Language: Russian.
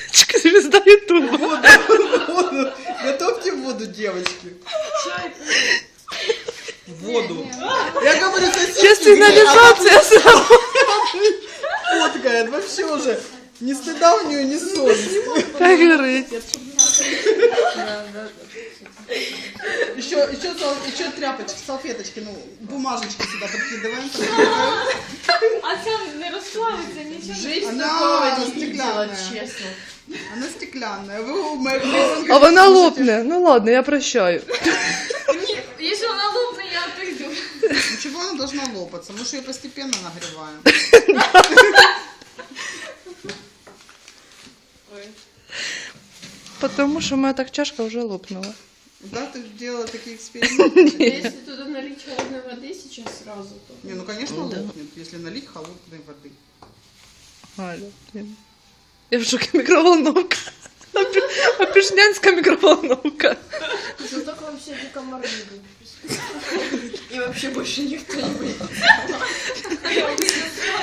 Звезда Ютуба. Воду. Готовьте воду, девочки. Воду. Я говорю, соседки. Сейчас сигнализация сразу. Фоткает вообще уже. Ни стыда у нее, ни совести. Как говорить? Еще тряпочки, салфеточки, ну, бумажечки сюда подкидываем. А це не розплавиться, нічого. Жизнь Она такого не стеклянная. видела, честно. Она стеклянная. Вы А вона лопне. Ну ладно, я прощаю. Якщо вона лопне, я отойду. Ничего, она должна лопаться. Мы же ее постепенно нагреваем. Потому что моя так чашка уже лопнула. Да, ты делала такие эксперименты? Если туда налить холодной воды сейчас сразу, то... Не, ну конечно лопнет, если налить холодной воды. Аля, блин. Я в шоке, микроволновка. Опишнянская микроволновка. Зато к вам сегодня комары будут. И вообще больше никто не будет.